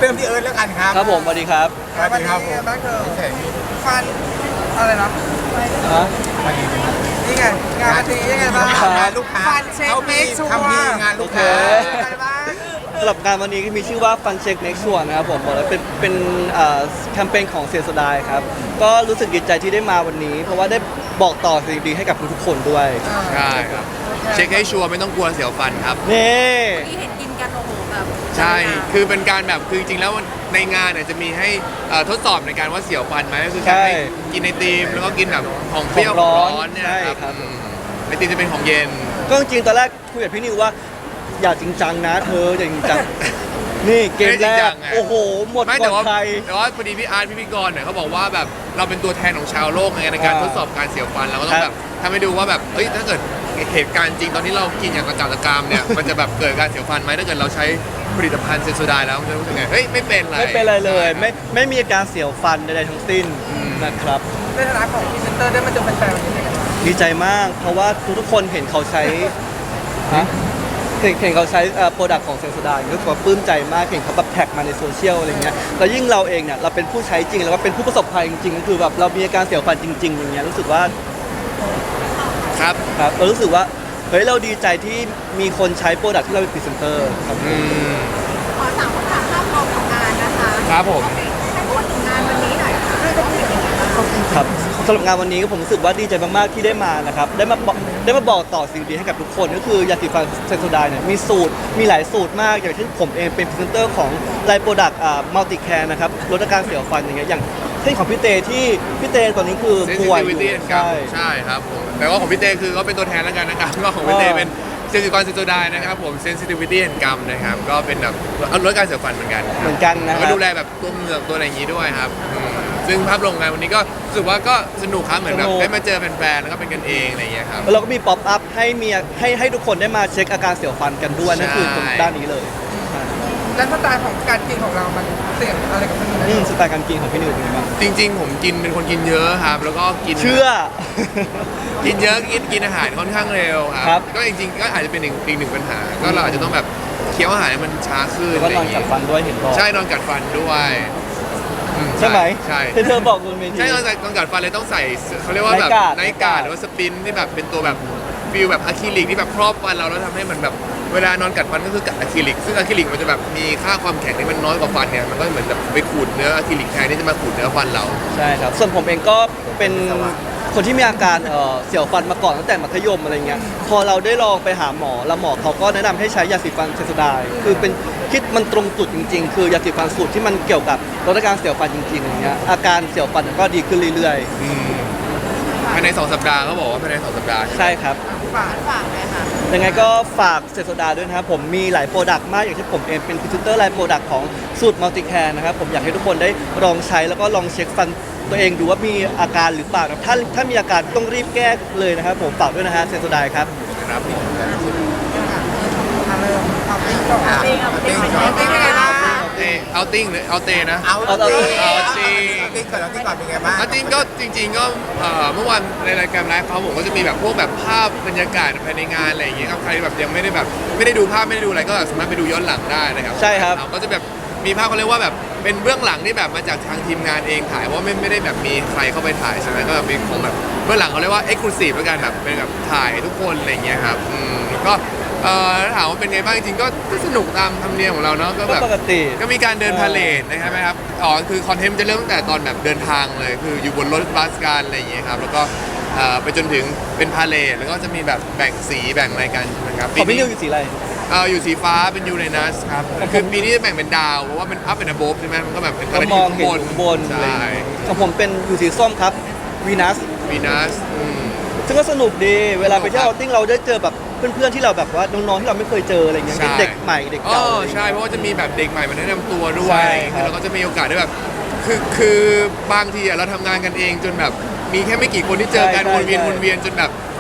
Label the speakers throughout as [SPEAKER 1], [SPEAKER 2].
[SPEAKER 1] เริ่มที่เอิร์ธแล้วกันครับ
[SPEAKER 2] ครับผมสวัสดีครับ
[SPEAKER 1] สวัสดีครับผม
[SPEAKER 3] บ้างเธอฟันอะไรนะ
[SPEAKER 2] ฮะ
[SPEAKER 3] นี่ไงงานทียังไงบ้าง
[SPEAKER 1] งานลูกค้า
[SPEAKER 3] ฟันเช็ค
[SPEAKER 1] เขา
[SPEAKER 3] เม
[SPEAKER 1] มี
[SPEAKER 3] คชัว
[SPEAKER 1] ทำมี
[SPEAKER 3] ร์
[SPEAKER 1] งานลูกค้า
[SPEAKER 3] อะไรบ้าง
[SPEAKER 2] สำหรับงานวันนี้มีชื่อว่าฟันเช็คเน็กชัวนะครับผมบอกเลยเป็นแคมเปญของเซียนสดายครับก็รู้สึกดีใจที่ได้มาวันนี้ เพราะว่าได้บอกต่อสิ่งดีๆให้กับทุกๆคนด้วย
[SPEAKER 4] ใช่ครับเช็คให้ชัวร์ไม่ต้องกลัวเสียวฟันครับ
[SPEAKER 2] นี่
[SPEAKER 5] ที่เห็นกินกันโอ้โหแบบ
[SPEAKER 4] ใช่ คือเป็นการแบบคือจริงๆแล้วในงานเนี่ยจะมีให้ทดสอบในการว่าเสียวฟันไหมก็คือการให้กินไอติมแล้วก็กินแบบของเปรี้ยวของร้อนเนี่ย
[SPEAKER 2] ใช่
[SPEAKER 4] ครับ
[SPEAKER 2] ครับ
[SPEAKER 4] ไอติมจะเป็นของเย็น
[SPEAKER 2] ก็จริงๆตอนแรกคุยกับพี่นิวว่าอย่าจริงจังนะเธออย่าจริงจัง นี่เกมแร
[SPEAKER 4] ไม่จริงจั
[SPEAKER 2] ก
[SPEAKER 4] งไง
[SPEAKER 2] โอ้โหหมด
[SPEAKER 4] ไม่
[SPEAKER 2] ก่
[SPEAKER 4] แต่
[SPEAKER 2] อน
[SPEAKER 4] ว่า
[SPEAKER 2] ใคร
[SPEAKER 4] แต่ว่าพอดีพี่อาร์ตพี่กรณ์เนี่ยเขาบอกว่าแบบเราเป็นตัวแทนของชาวโลกในการทดสอบการเสียวฟันเราก็ต้อ
[SPEAKER 2] ครั
[SPEAKER 4] ง
[SPEAKER 2] บ
[SPEAKER 4] แบบทำให้ดูว่าแบบเอ้ยถ้าเกิดเหตุการณ์จริงตอนที่เรากินอย่างกระจัดกระกามเนี่ย มันจะแบบเกิดการเสียวฟันไหมถ้าเกิดเราใช้ผลิตภัณฑ์เซนโซไดแล้วมันจะรู้สึกไงเฮ้ยไม่เป็นไร
[SPEAKER 2] ไม่เป็นไรเลย ไม่มีอาการเสียวฟันใดๆทั้งสิ้นนะครับ
[SPEAKER 3] ในฐานะของพรีเซนเตอร์ได้มาเจอแฟนๆวันนี้ยังไงบ้าง
[SPEAKER 2] ดีใจมาก เพราะว่าทุกๆคนเห็นเขาใช้ฮะเห็นเขาใช้โปรดักต์ของเซนโซไดก็ถือว่าปลื้มใจมากเห็นเขาแบบแท็กมาในโซเชียลอะไรเงี้ยแล้วยิ่งเราเองเนี่ยเราเป็นผู้ใช้จริงแล้วก็เป็นผู้ประสบภัยจริงๆก็คือแบบเรามีอาการเสียวฟันจริงๆอย่างเงี้ยรู้สึกว่า
[SPEAKER 4] ครับ
[SPEAKER 2] ครับเรารู้สึกว่าเฮ้ยเราดีใจที่มีคนใช้โปรดักต์ที่เราเป็นพรีเซนเตอร์ครับ
[SPEAKER 4] อืม
[SPEAKER 5] ขอถามคำถามภาพรวมของงานนะคะ
[SPEAKER 4] ครับผม
[SPEAKER 5] ให้พูดถึงงานวันนี้หน่อยค่ะรู้สึกยังไงบ้าง
[SPEAKER 2] ครับสำหรับงานวันนี้ก็ผมรู้สึกว่าดีใจมากๆที่ได้มานะครับได้มาบอกต่อสิ่งดีให้กับทุกคนก็คือยาสีฟันเซนโซไดเนี่ยมีสูตรมีหลายสูตรมากอย่างเช่นผมเองเป็นพรีเซนเตอร์ของไลน์โปรดักต์มัลติแคร์นะครับลดอาการเสียวฟันอย่างเงี้ยอย่างเช่นของพี่เตที่พี่เตตอนนี้คือป่วยอยู่
[SPEAKER 4] sensitivity and gum
[SPEAKER 2] ใช่
[SPEAKER 4] ใช่ครับผมแต่ว่าของพี่เต้คือก็เป็นตัวแทนแล้วกันนะครับก็ของพี่เต้เป็นเซนซิกรเซนโซไดนะครับผม sensitivity and gum นะครับก็เป็นแบบลดการเสียวฟันเหมือนกัน
[SPEAKER 2] เหมือนกันนะค
[SPEAKER 4] ก็
[SPEAKER 2] รับ
[SPEAKER 4] ดูแลแบบตัวเหงือกตัวอะไรอย่างนี้ด้วยครับซึ่งภาพรวมงานวันนี้ก็รู้สึกว่าก็สนุกครับเหมือนแบบได้มาเจอแฟนๆแล้วก็เป็นกันเองอะไรอย่างเงี้ยครับ
[SPEAKER 2] แล้วเราก็มีป๊อปอัพให้ทุกคนได้มาเช็คอาการเสียวฟันกันด้วยนั่นคือตรงด้านนี้เลย
[SPEAKER 3] แล้วสไตล์ของการกินของเรามันเสี่ยงอะไรกับมันไหม
[SPEAKER 2] สไตล์การกินของพี่นิวเป็นไงบ้าง
[SPEAKER 4] จริงๆ ผมกินเป็นคนกินเยอะครับ แล้วก็กิน
[SPEAKER 2] เชื่อ
[SPEAKER 4] กินเยอะกินอาหารค่อนข้างเร็วค
[SPEAKER 2] ครั
[SPEAKER 4] รับ ก็จริงๆก็อาจจะเป็นอีกหนึ่งปัญหา ก็เราอาจจะต้องแบบเคี้ยวอาหารให้มันช้าขึ้น
[SPEAKER 2] แล้วก็นอนกัดฟันด้วยเห็นบอก
[SPEAKER 4] ใช่นอนกัดฟันด้วย
[SPEAKER 2] ใช่ไหม
[SPEAKER 4] ใช่
[SPEAKER 2] ที่เธอบอกบนเวที
[SPEAKER 4] ใช่นอนกัดฟันเลยต้องใส่เขาเรียกว่าแบบ
[SPEAKER 2] Night guard
[SPEAKER 4] ไนท์การ์ดหรือว่าสปินที่แบบเป็นตัวแบบฟิลแบบอะคริลิกที่แบบครอบฟันเราแล้วทำให้มันแบบเวลานอนกัดฟันก็คือกัดอะคริลิกซึ่งอะคริลิกมันจะแบบมีค่าความแข็งที่มันน้อยกว่าฟันเนี่ยมันก็เหมือนแบบไปขูดเนื้ออะคริลิกแทนที่จะมาขูดเนื้อฟันเรา
[SPEAKER 2] ใช่ครับ ส่วนผมเองก็เป็นคนที่มีอาการเสียวฟันมาก่อนตั้งแต่มัธยมอะไรเงี้ย พอเราได้ลองไปหาหมอแล้วหมอเขาก็แนะนำให้ใช้ยาสีฟันเซนโซไดน์คือเป็นคิดมันตรงจุดจริงๆ คือยาสีฟันสูตรที่มันเกี่ยวกับลดอาการเสียวฟันจริงๆอย่างเงี้ย อาการเสียวฟันก็ดีขึ้นเรื่อย
[SPEAKER 4] ภายใน2 สัปดาห์เขาบอกว่าภายใน2 สัปดาห์
[SPEAKER 2] ๆ ใช่ครับ
[SPEAKER 3] ฝาก
[SPEAKER 5] ฝากเลยค่ะ
[SPEAKER 2] ยังไงก็ฝากเซนโซไดน์ด้วยนะครับผมมีหลายโปรดักต์มากอย่างที่ผมเองเป็นพรีเซนเตอร์ไลน์โปรดักต์ของสูตรมัลติแคร์นะครับผมอยากให้ทุกคนได้ลองใช้แล้วก็ลองเช็คฟันตัวเองดูว่ามีอาการหรือเปล่านะครับถ้ามีอาการต้องรีบแก้เลยนะครับผมฝากด้วยนะฮะเซนโซไดน์ครับ
[SPEAKER 4] ครับ
[SPEAKER 3] เริ่มเอาติ๊กก่อน
[SPEAKER 5] เอาติ๊กเอาติ๊ก
[SPEAKER 3] เอาติ๊กยังไงบ้าง
[SPEAKER 4] เอาติ้งหรือเอาเตนะ
[SPEAKER 1] เอา
[SPEAKER 2] เอา
[SPEAKER 1] ติ๊ก
[SPEAKER 4] เอาติ๊ก
[SPEAKER 1] เอาติ๊กก่อนเอาติ๊กก่อนเป็นไงบ้าง
[SPEAKER 4] เอาติ้งก็จริงๆก็เมื่อวานในรายการไลฟ์เขาผมก็จะมีแบบพวกแบบภาพบรรยากาศภายในงานอะไรอย่างเงี้ยครับใครแบบยังไม่ได้แบบไม่ได้ดูภาพไม่ได้ดูอะไรก็สามารถไปดูย้อนหลังได้นะครับ
[SPEAKER 2] ใช่ครับ
[SPEAKER 4] เราก็จะแบบมีภาพเขาเรียกว่าแบบเป็นเบื้องหลังที่แบบมาจากทางทีมงานเองถ่ายเพราะว่าไม่ได้แบบมีใครเข้าไปถ่ายใช่ไหมก็แบบมีของแบบเบื้องหลังเขาเรียกว่า exclusive แล้วกันแบบเป็นแบบถ่ายทุกคนอะไรอย่างเงี้ยครับแล้วก็ถามว่าเป็นไงบ้างจริงๆก็สนุกตามธรรมเนียมของเราเนาะก็
[SPEAKER 2] ก็
[SPEAKER 4] แบบ
[SPEAKER 2] ปกติ
[SPEAKER 4] ก็มีการเดินพาเลทนะครับคือคอนเทนต์จะเริ่มตั้งแต่ตอนแบบเดินทางเลย คืออยู่บนรถบัสกันอะไรอย่างเงี้ยครับ แล้วก็ไปจนถึงเป็นพาเลทแล้วก็จะมีแบบแบ่งสีแบ่งอะไรกันนะครับ
[SPEAKER 2] ของพี่นิวอยู่สีอะไร
[SPEAKER 4] อยู่สีฟ้าเป็นยูเรนัสครับ คือปีนี้จะแบ่งเป็นดาว เพราะว่ามันอัพเป็นอะโบฟใช่ไหมมันก็แบบเป็นอะ
[SPEAKER 2] ก็
[SPEAKER 4] ไร
[SPEAKER 2] ม
[SPEAKER 4] ที่
[SPEAKER 2] อง
[SPEAKER 4] ข้าง
[SPEAKER 2] เห็น
[SPEAKER 4] บน
[SPEAKER 2] ข้างบนอะไรอ
[SPEAKER 4] ใช่
[SPEAKER 2] ย่างเงี้ยของผมเป็นอยู่สีส้มครับวีนัส
[SPEAKER 4] วีนัส
[SPEAKER 2] ซึ่งก็สนุกดีเวลาไปเที่ยวเอาติ้งเราได้เจอแบบเพื่อนๆที่เราแบบว่าน้องๆที่เราไม่เคยเจออะไรเงี้ย
[SPEAKER 4] ใช่
[SPEAKER 2] เด็กใหม่เด็ก
[SPEAKER 4] อ๋
[SPEAKER 2] เก่า
[SPEAKER 4] อ
[SPEAKER 2] อะไรเงี้ย
[SPEAKER 4] ใช่เพราะว่าจะมีแบบเด็กใหม่มาแนะนำตัวด้วย
[SPEAKER 2] ใช่ครับ
[SPEAKER 4] แล้วก็จะมีโอกาสได้แบบคือบางทีเราทำงานกันเองจนแบบมีแค่ไม่กี่คนที่เจอกันวนเวียนจนแบบ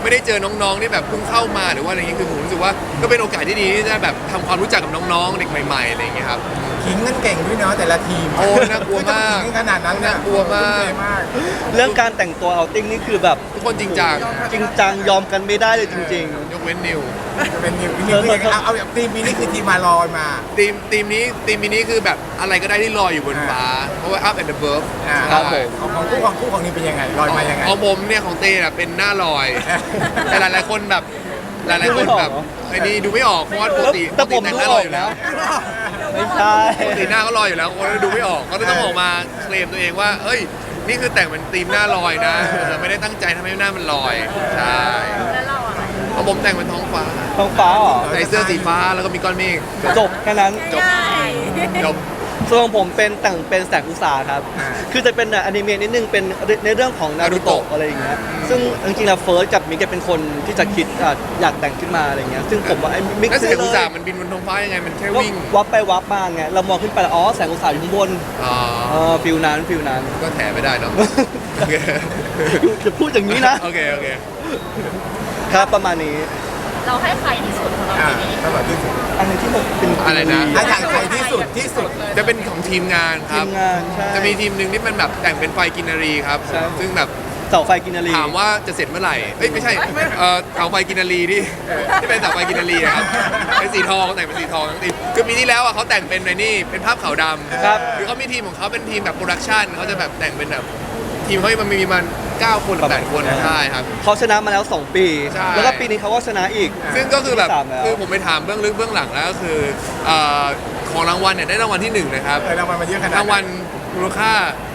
[SPEAKER 4] ไม่ได้เจอน้องๆที่แบบเพิ่งเข้ามาหรือว่าอะไรเงี้ยคือผมรู้สึกว่าก็เป็นโอกาสที่ดีที่จะแบบทำความรู้จักกับน้องๆเด็กใหม่ๆอะไรอย่างเงี้ยครับ
[SPEAKER 1] ขิงกันเก่งด้วยเนาะแต่ละทีม
[SPEAKER 4] โอ้น่ากลัวมาก
[SPEAKER 1] ขิงขนาดนั้นเนี่ย
[SPEAKER 4] น่ากลัวมาก
[SPEAKER 1] ทุ่เทมาก
[SPEAKER 2] เรื่องการแต่งตัวเอาติ้งนี่คือแบบ
[SPEAKER 4] ทุกคนจริงจัง
[SPEAKER 2] จริงจังยอมกันไม่ได้เลยจริง
[SPEAKER 4] ยกเว้นนิว
[SPEAKER 1] จะเป็นนิวทีมที่เอาแบบทีมนี้คือทีมมาลอยมา
[SPEAKER 4] ทีมนี้คือแบบอะไรก็ได้ที่ลอยอยู่บนฟ้าเพราะว่า up and above
[SPEAKER 2] ครับผม
[SPEAKER 1] ของคู่ของนี้เป็นยังไงลอยมายังไง
[SPEAKER 4] ของผมเนี่ยของเต้น่ะเป็นหน้าลอย แต่หลายๆคนแบบหลายๆคนแบบไอ้นี่ดูไม่ออกเพราะว่าปกติ
[SPEAKER 2] แต่ผม
[SPEAKER 4] ปก
[SPEAKER 2] ดู
[SPEAKER 4] หน้า
[SPEAKER 2] อ
[SPEAKER 4] ล
[SPEAKER 2] อ
[SPEAKER 4] อย
[SPEAKER 2] ก
[SPEAKER 4] อยู่แล้ว
[SPEAKER 2] ไม่ใช่
[SPEAKER 4] ปกติหน้าก็ลอยอยู่แล้วคนดูไม่ออกก็เลยต้องออกมาเคลมตัวเองว่าเอ้ยนี่คือแต่งเป็นธีมหน้าลอยนะแต่ไม่ได้ตั้งใจทำให้หน้ามันลอยใช่
[SPEAKER 5] แล้วเราอะ
[SPEAKER 4] เพราะผมแต่งเป็นท้องฟ้า
[SPEAKER 2] ท้องฟ้าเหรอ
[SPEAKER 4] ใส่เสื้อสีฟ้าแล้วก็มีก้อนเมฆ
[SPEAKER 2] จบแค่นั้น
[SPEAKER 5] ง่าย
[SPEAKER 4] จบ
[SPEAKER 2] ส่วนของผมเป็นแต่งเป็นแสงอุตสาหครับ คือจะเป็นอนิเมะนิดนึงเป็นในเรื่องของนารูโตะอะไรอย่างเงี้ย ซึ่งจริงๆแล้วเฟิร์สกับมิกเป็นคนที่จะคิดอยากแต่งขึ้นมาอะไรเงี้ย ซึ่งผมว่าไอ้มิก
[SPEAKER 4] แล้ว
[SPEAKER 2] ซื้
[SPEAKER 4] เสีย
[SPEAKER 2] อง
[SPEAKER 4] อุต
[SPEAKER 2] เล
[SPEAKER 4] สาย ห์มันบินบนท้องฟ้ายังไงมันแค่
[SPEAKER 2] ก็
[SPEAKER 4] วิ่ง
[SPEAKER 2] วับไปวับมาไง เรามองขึ้นไปแล้วอ๋อแสงอุตสาหอยู่ข้างบน
[SPEAKER 4] อ๋อ
[SPEAKER 2] ฟิลนั้นฟิลนั้น
[SPEAKER 4] ก็แถไม่ได้เนาะโอเค
[SPEAKER 2] จะพูดอย่างนี้นะ
[SPEAKER 4] โอเคโอเค
[SPEAKER 2] ครับประมาณนี้
[SPEAKER 5] เราให้ใครที่สุดของเรา
[SPEAKER 1] อ่า
[SPEAKER 5] ทีนี้
[SPEAKER 1] ตลอดที่สุด
[SPEAKER 2] อันนี้ที่ผมเป็น
[SPEAKER 4] อะไรนะ
[SPEAKER 1] ถ้าอยากใครที่สุดที่สุด
[SPEAKER 4] จะเป็นของทีมงานค
[SPEAKER 2] ที
[SPEAKER 4] รับ
[SPEAKER 2] มงานใช่
[SPEAKER 4] จะมีทีมหนึ่งที่มันแบบแต่งเป็นไฟกินนารีครับ
[SPEAKER 2] ใช่
[SPEAKER 4] ซึ่งแบบ
[SPEAKER 2] เสาไฟกินนารี
[SPEAKER 4] ถามว่าจะเสร็จเมื่อไหร่เอ้ยไม่ใช่เสาไฟกินนารีที่เป็นเสาไฟกินนารีอะครับเป็นสีทองแต่งเป็นสีทองทั้งทีมคือปีที่แล้วอะเขาแต่งเป็นในนี่เป็นภาพขาวดำ
[SPEAKER 2] ครับ
[SPEAKER 4] คือเขามีทีมของเขาเป็นทีมแบบโปรดักชันเขาจะแบบแต่งเป็นแบบทีมเขามันมีมัน9 คนหรือ8 คนใช่ครับ
[SPEAKER 2] เขาชนะมาแล้ว 2 ปี
[SPEAKER 4] ใช่
[SPEAKER 2] แล้วก็ปีนี้เขาก็ชนะอีก
[SPEAKER 4] ซึ่งก็คือแบบ
[SPEAKER 2] ที่สามแล้ว
[SPEAKER 4] คือผมไปถามเบื้องลึกเบื้องหลังแล้วก็คือของรางวัลเนี่ยได้รางวัลที่1นะครับ
[SPEAKER 1] รางวัลมาเยอะขนาด
[SPEAKER 4] รางวัลมูลค่า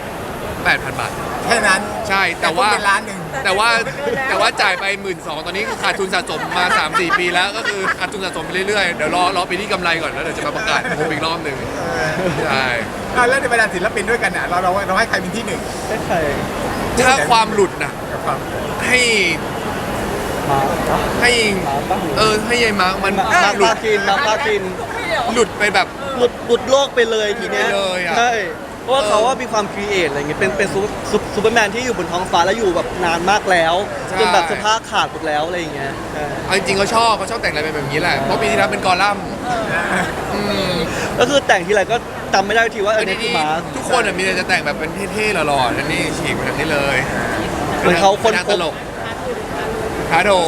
[SPEAKER 4] 8,000 บาท
[SPEAKER 1] แค่นั้น
[SPEAKER 4] ใช่แต่ว่า
[SPEAKER 1] เป็นล้านหนึ่ง
[SPEAKER 4] แต่ว่าจ่ายไป 12,000 ตอนนี้คือขาดทุนสะสมมา 3-4 ปีแล้วก็คือขาดทุนสะสมไปเรื่อยๆ เดี๋ยวรอปีที่กำไรก่อนแล้วเดี๋ยวจะมาประกาศผมอีกรอบหนึ่งใช่
[SPEAKER 1] แล้วในบรรดาศิลปินด้วยกันเนี่ยเราให้ใครเป็นที่หนึ่ง
[SPEAKER 2] ได้ใคร
[SPEAKER 4] ถ้าความหลุดนะ
[SPEAKER 1] กับความ
[SPEAKER 4] ให้
[SPEAKER 2] มาปะ
[SPEAKER 4] ให้
[SPEAKER 2] มาปะ
[SPEAKER 4] ให้ยายมาร์คมัน
[SPEAKER 2] มา
[SPEAKER 4] หลุ
[SPEAKER 2] ปา
[SPEAKER 4] ด
[SPEAKER 2] คินมาปาคิน
[SPEAKER 4] หลุดไปแบบ
[SPEAKER 2] หลุดโลกไปเลยทีเนี้ย
[SPEAKER 4] หลุดไปเลยอะ
[SPEAKER 2] ใช่เพราะว่าเขาว่ามีความครีเอทอะไรเงี้ยเป็นซูเปอร์แมนที่อยู่บนท้องฟ้าแล้วอยู่แบบนานมากแล้วจนแบบสภาพขาดหมดแล้วอะไรอย่างเงี้ยใช่
[SPEAKER 4] เอาจริงๆเขาชอบแต่งอะไรแบบนี้แหละเพราะปีที่แล้วเป็นกอลัมน์ม
[SPEAKER 2] ก็คือแต่งทีไรก็จำไม่ได้ทีว่าเนี่ยคือมาร์ค
[SPEAKER 4] ทุกคนอะมีแต่จะแต่งแบบเป็นเท่ๆหล่อๆนั่นนี่ฉีกมาทางนี้เลย
[SPEAKER 2] เหมือนเขาคน
[SPEAKER 4] ป็
[SPEAKER 2] พ
[SPEAKER 4] ต
[SPEAKER 2] บ
[SPEAKER 4] ลกอาโถ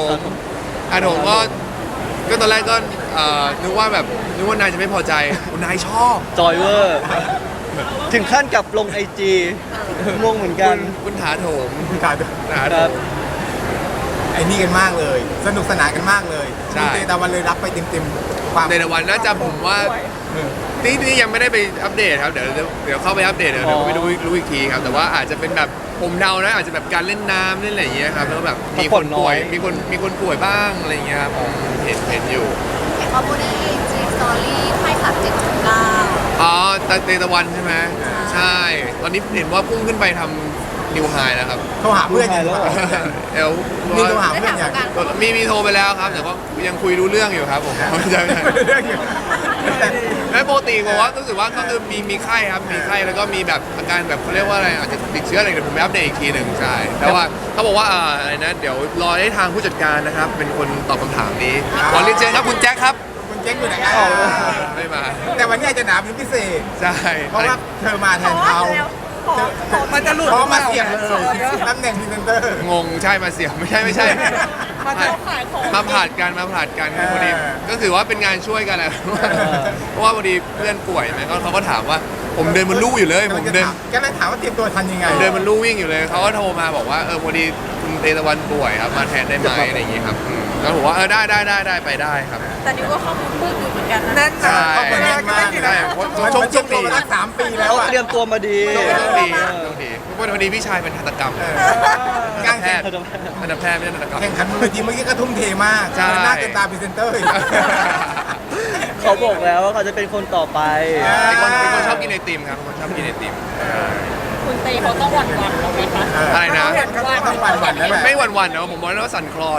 [SPEAKER 4] ก็ตอนแรกก็นึกว่านายจะไม่พอใจนายชอบ
[SPEAKER 2] จอยเวอร์ถึงขั้นกับลงไอจีงงเหมือนกัน
[SPEAKER 4] คุณถาโถม
[SPEAKER 1] ขาด
[SPEAKER 4] ถา
[SPEAKER 2] ค
[SPEAKER 4] โถ
[SPEAKER 2] รับ
[SPEAKER 4] ม
[SPEAKER 1] ไอ้นี่กันมากเลย สนุกสนานกันมากเลย
[SPEAKER 4] ใช่
[SPEAKER 1] คุณเตตะวันเลยรับไปเต็มความ
[SPEAKER 4] ในวันน่าจะผมว่านี่ยังไม่ได้ไปอัปเดตครับเดี๋ยวเข้าไปอัปเดตเดี๋ยวไปดูรู้อีกทีครับแต่ว่าอาจจะเป็นแบบผมเดานะอาจจะแบบการเล่นน้ำเล่นอะไรอย่างเงี้ยครับแล้วแบบมีคนป่วยมีคนป่วยบ้างอะไรอย่างเงี้ยครับผมเห็นอยู่
[SPEAKER 5] คอมมูนิตี้สตอรี่ไพ่ขับ7.9
[SPEAKER 4] อ๋อเตตะวันใช่ไหมใช่ ตอนนี้เห็นว่าพุ่งขึ้นไปทำนิวไฮแล้วครับ
[SPEAKER 1] โทรหาเพื่อนยัง
[SPEAKER 2] แล้วเหรอ
[SPEAKER 4] เอล
[SPEAKER 1] มีโทรหา
[SPEAKER 5] ได้
[SPEAKER 1] เพื่อน
[SPEAKER 5] ถาม
[SPEAKER 1] ยัง
[SPEAKER 5] กัน
[SPEAKER 4] มีโทรไปแล้วครับแต่ก็ยังคุยรู้เรื่องอยู่ครับผมใช่
[SPEAKER 1] เรื่องอยู่
[SPEAKER 4] แล้วปกติผมว่ารู้สึกว่าก็คือมีไข้ครับมีไข้แล้วก็มีแบบอาการแบบเขาเรียกว่าอะไรอาจจะติดเชื้ออะไรเดี๋ยวผมไปอัปเดตอีกทีหนึ่งใช่แต่ว่าเขาบอกว่าอะไรนะเดี๋ยวรอให้ทางผู้จัดการนะครับเป็นคนตอบคำถามนี้ขอเรียนเชิญครับคุณแจ็คครับ
[SPEAKER 1] คุณเจ๊งอยู่ไหนกัน
[SPEAKER 4] ไม่มา
[SPEAKER 1] แต่วันนี้อาจจะหนาเป็นพิเศษ
[SPEAKER 4] ใช่
[SPEAKER 1] เพราะว่าเธอมาแทนเขา
[SPEAKER 3] มันจะหลุด
[SPEAKER 1] เพราะมาเสียบเลยตำแหน่งพรีเซนเตอร์
[SPEAKER 4] งงใช่มาเสียไม่ใช่
[SPEAKER 3] มาจะ
[SPEAKER 4] มาผลัดกันคือพอดีก็ถือว่าเป็นงานช่วยกันแหละเพราะว่าพอดีเพื่อนป่วยไหมเขาก็ถามว่าผมเดินบนลู่อยู่เลยผมเดิน
[SPEAKER 1] ก็เลยถามว่าเตรียมตัวทันยังไง
[SPEAKER 4] เดินมันลู่วิ่งอยู่เลยเขาก็โทรมาบอกว่าพอดีคุณเตตะวันป่วยครับมาแทนได้ไหมอะไรอย่างงี้ครับแล้วผมว่าได้ไปได้ครับ
[SPEAKER 5] แต่นี่ว่าข้อมูลมืดอยู่เหมือนกันนะ
[SPEAKER 3] แน่น
[SPEAKER 4] ใช่
[SPEAKER 3] นะเขาเปิดแรกก็ไม่กี่
[SPEAKER 4] ใช่
[SPEAKER 3] นะ
[SPEAKER 4] เพราะ
[SPEAKER 1] มัน
[SPEAKER 4] โช
[SPEAKER 1] ช
[SPEAKER 4] ค
[SPEAKER 1] ม
[SPEAKER 4] ดี
[SPEAKER 1] ตัวมาตั้ง3 ปีแล้ว
[SPEAKER 2] เขา
[SPEAKER 1] อ่ะ
[SPEAKER 2] เตรียมตัวมาดี
[SPEAKER 4] โชคดีเพราะพอดีพี่ชายเป็นทันตกรรม
[SPEAKER 1] การ
[SPEAKER 4] แพทย์ทันตแพทย์ไม่ใช่ทันตกรรม
[SPEAKER 1] แข่งขันบนเวทีเมื่อกี้ก็ทุ่มเทมาก
[SPEAKER 4] ใช่
[SPEAKER 1] หน้าเต็มตาพรีเซนเตอร์อีก
[SPEAKER 2] เขาบอกแล้วว่าเขาจะเป็นคนต่อไป
[SPEAKER 4] เป็นคนชอบกินไอติมครับเป็นคนชอบกินไอติม
[SPEAKER 5] คุณเตเขาต้องหวั่นเราไหมคะ
[SPEAKER 4] อะไรนะ
[SPEAKER 1] ต้องหวั่นๆแล้วแหละ
[SPEAKER 4] ไม่หวั่นๆนะผมบอกแล้วว่าสั่นคลอน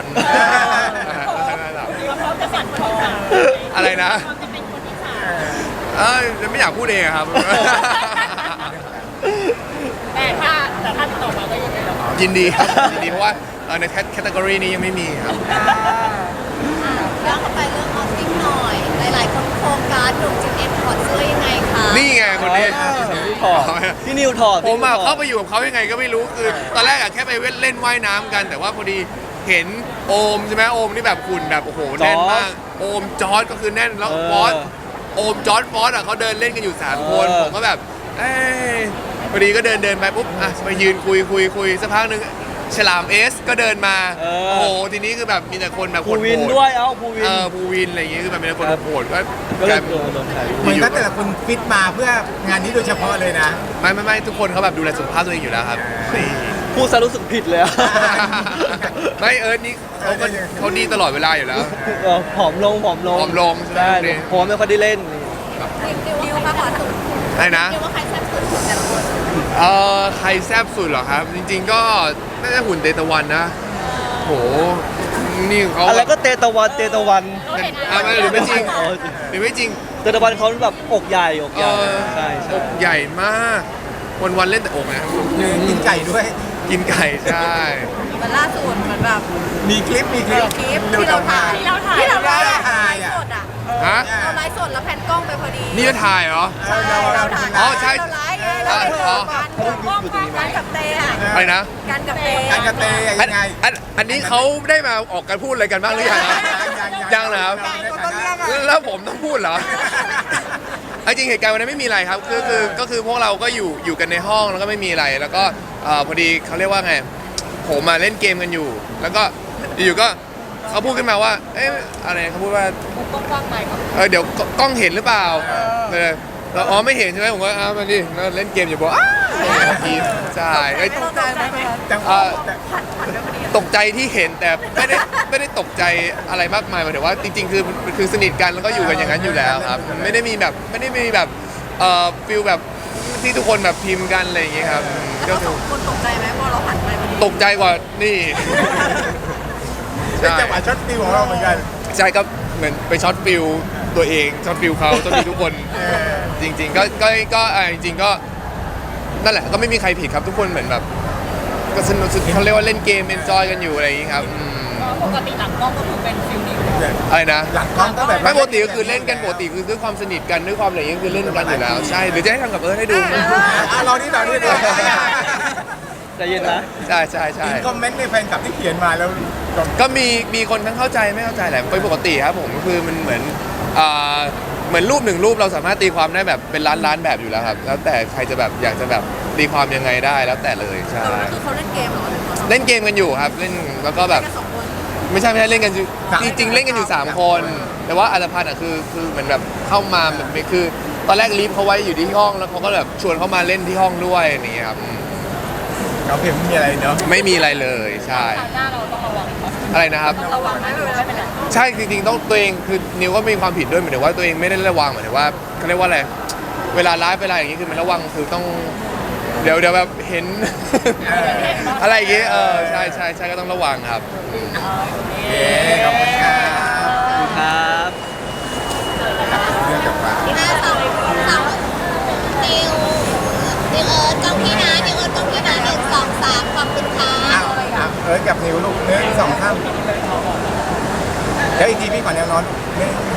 [SPEAKER 5] เขาจะสั่นคลอน
[SPEAKER 4] อะไรนะ
[SPEAKER 5] เขาจะเป็นคนที่สาม
[SPEAKER 4] ไม่อยากพูดเองครับ
[SPEAKER 5] แต่ถ้าต่อมาก็ยังไงเรา
[SPEAKER 4] ยินดีครับยินดีเพราะว่าในแคตตากรีนี้ยังไม่มีครับ
[SPEAKER 5] ย้อนกลับไปเรื่องออฟฟิศหน่อย หลายๆคนโฟกัสหนุ่มจินเอ็มถอดเสื้อยังไงคะ
[SPEAKER 4] นี่ไงคนนี้
[SPEAKER 2] พี่ถอดพี่นิวถอด
[SPEAKER 4] ผมอะ
[SPEAKER 2] พี่นิวถอด
[SPEAKER 4] เข้าไปอยู่กับเขายังไงก็ไม่รู้คือตอนแรกอะแค่ไปเล่นว่ายน้ำกัน แต่ว่าพอดีเห็นโอมใช่ไหมโอมนี่แบบหุ่นแบบโอ้โหแน่นมากโอมจอร์ดก็คือแน่นแล้วฟอสโอมจอร์ดฟอสอะเขาเดินเล่นกันอยู่3 คนผมก็แบบเอ้ยพอดีก็เดินไปปุ๊บอ่ะไปยืนคุยสักพักหนึ่งฉลามเอสก็เดินมาโอ้โหทีนี้คือแบบมีแต่คนแบบ
[SPEAKER 2] ภู
[SPEAKER 4] คน
[SPEAKER 2] วิน
[SPEAKER 4] โหด
[SPEAKER 2] ด้วยภูวิน
[SPEAKER 4] ภูวินอะไรอย่างงี้คือแบบมีแต่คนโหดก็
[SPEAKER 2] ก็เลยโดนถ่าย
[SPEAKER 1] เหมือนกับแต่ละคนฟิตมาเพื่องานนี้โดยเฉพาะเลยนะ
[SPEAKER 4] ไม่ทุกคนเขาแบบดูแลสุขภาพตัวเองอยู่แล้วครับนี่
[SPEAKER 2] พูดซะรู้สึกผิดเลยอะ
[SPEAKER 4] ไม่นี่เขาดีตลอดเวลาอยู่แล้ว
[SPEAKER 2] ผอมลง
[SPEAKER 4] ผอมลงใช่ไหม
[SPEAKER 2] ได้
[SPEAKER 4] เนี่ย
[SPEAKER 2] ผมไม่ค่อยได้เล่น
[SPEAKER 5] ดิวว่าใครสุด
[SPEAKER 4] อะไรนะ
[SPEAKER 5] ดิวว่าใครแซ่บสุดแต่ละคน
[SPEAKER 4] ใครแซ่บสุดเหรอครับ จริง ๆ ก็น่าจะหุ่นเตตะวันนะโหนี่เขา
[SPEAKER 2] อะไรก็เตตะวัน
[SPEAKER 4] ไม่หรือไม่จริง
[SPEAKER 2] อ๋อ
[SPEAKER 4] หรือไม่จริง
[SPEAKER 2] เตตะวันเขาแบบอกใหญ่ใช่
[SPEAKER 4] อกใหญ่มากวันเล่นแต่อกนะครับ
[SPEAKER 1] กินไก่ด้วย
[SPEAKER 4] กินไก่ใช่
[SPEAKER 5] มันล่าสุดเหมือนแบบ
[SPEAKER 1] มีคลิป
[SPEAKER 5] คลิปที่เราถ่ายที่เราไลฟ์สดอ่ะ
[SPEAKER 4] ฮะ
[SPEAKER 5] เราไลฟ์สดแล้วแผ่นกล้องไปพอดี
[SPEAKER 4] นี่จะถ่ายเหรอ
[SPEAKER 5] ใช่เราถ่าย
[SPEAKER 4] อ๋อใช่
[SPEAKER 5] เราไลฟ์ไงเราไปเจอกันกับเตะ
[SPEAKER 4] อะไรนะ
[SPEAKER 5] กันกับเตะ
[SPEAKER 1] การกระเตยยังไง
[SPEAKER 4] อันนี้เขาได้มาออกกันพูดอะไรกันบ้างหรือยังครับยังนะครับแล้วผมต้องพูดเหรอ เอาจริงเหตุการณ์วันนั้นไม่มีอะไรครับก็คือพวกเราก็อยู่กันในห้องแล้วก็ไม่มีอะไรแล้วก็พอดีเขาเรียกว่าไงผมมาเล่นเกมกันอยู่ แล้วก็อยู่ก็เขาพูดขึ้นมาว่าเอ๊ะอะไรเขาพูดว่าเดี๋ยวกล้องเห็นหรือเปล่าเราอ๋อไม่เห็นใช่ไหมผมก็มาดิเล่นเกมอยู่บอกใช่
[SPEAKER 5] ตกใจไหม
[SPEAKER 1] จังห
[SPEAKER 4] เอ่
[SPEAKER 1] วะ
[SPEAKER 4] อตกใจที่เห็นแต่ไม่ได้ตกใจอะไรมากมายหมายถึงว่าจริงๆคือสนิทกันแล้วก็อยู่กันอย่างนั้นอยู่แล้วครับไม่ได้มีแบบฟิลแบบที่ทุกคนแบบพิมพ์กันอะไรอย่างเงี้ยครับก็
[SPEAKER 5] แล้วสองคนตกใจไหมพอเราหันไปพอดี
[SPEAKER 4] ตกใจกว่านี่
[SPEAKER 1] เป็น
[SPEAKER 4] ใช่
[SPEAKER 1] จังหวะช็อตฟิวของเราเหมือนกัน
[SPEAKER 4] ใช่ก็เหมือนไปช็อตฟิลตัวเองช็อตฟิลเขาช็อตฟิลทุกคนจริงๆก็จริงๆก็นั่นแหละก็ไม่มีใครผิดครับทุกคนเหมือนแบบก็สนุกเขาเรียกว่าเล่นเกมเอนจอยกันอยู่อะไรอย่างงี้ครับ
[SPEAKER 5] ปกติหลังกล้องก็คือเป็นฟิลนี้
[SPEAKER 4] อะไรนะ
[SPEAKER 1] หลังกล้องก็แบบ
[SPEAKER 4] ไม่ปกติก็คือเล่นกันปกติคือด้วยความสนิทกันด้วยความอะไรอย่างเงี้ยคือเล่นกันอยู่แล้วใช่หรือจะให้ทำกับให้ดู
[SPEAKER 1] เรานี่
[SPEAKER 2] ใจเย็นนะ
[SPEAKER 4] ใช่ใช่ใช่
[SPEAKER 1] คอมเมนต์ในแฟนคลับที่เขียนมาแล้ว
[SPEAKER 4] ก็มีคนทั้งเข้าใจไม่เข้าใจแหละเป็นปกติครับผมก็คือมันเหมือนรูปหนึ่งรูปเราสามารถตีความได้แบบเป็นล้านแบบอยู่แล้วครับแล้วแต่ใครจะแบบอยากจะแบบตีความยังไงได้แล้วแต่เลยใช่
[SPEAKER 5] คือเขาเล่นเกมเหรอ
[SPEAKER 4] เล่นเกมกันอยู่ครับเล่นแล้วก็แบบ
[SPEAKER 5] แค่2 คน
[SPEAKER 4] ไม่ใช่เล่นกันอยู่จริงๆเล่นกันอยู่3 คน แต่ว่าอัตภัณฑ์อ่ะคือเหมือนแบบเข้ามาแบบคือตอนแรกลีฟเขาไว้อยู่ที่ห้องแล้วเขาก็แบบชวนเขามาเล่นที่ห้องด้วยอย่างเงี้ยครับ
[SPEAKER 1] เราเพียงไม่มีอะไรเนาะ
[SPEAKER 4] ไม่มีอะไรเลยใช่
[SPEAKER 5] หน้าเราต้องระวัง
[SPEAKER 4] อะไรนะครับ
[SPEAKER 5] ระวังไม่เป็นไร
[SPEAKER 4] ใช่จริงๆต้องตัวเองคือนิวก็มีความผิดด้วยหมายถึงว่าตัวเองไม่ได้ระวังหมายถึงว่าเขาเรียกว่าอะไรเวลาไลฟ์เวลาอย่างนี้คือมันระวังคือต้องเดี๋ยวแบบเห็น อะไรอย่างเงี้ยใช่ก็ต้องระวังครับ
[SPEAKER 1] ขอบคุณครับ
[SPEAKER 2] ครับ
[SPEAKER 1] เรื่องกับว่า
[SPEAKER 5] หน้าสาวนิวเอิร์ธกล้องพี่นะนิวเอิร์ธกล้องพี่นะ1 2 3ขอบคุณค่ะ
[SPEAKER 1] กับนิวลูก1 2 3เดี๋ยวอีกทีพี่ขอแนวนอน1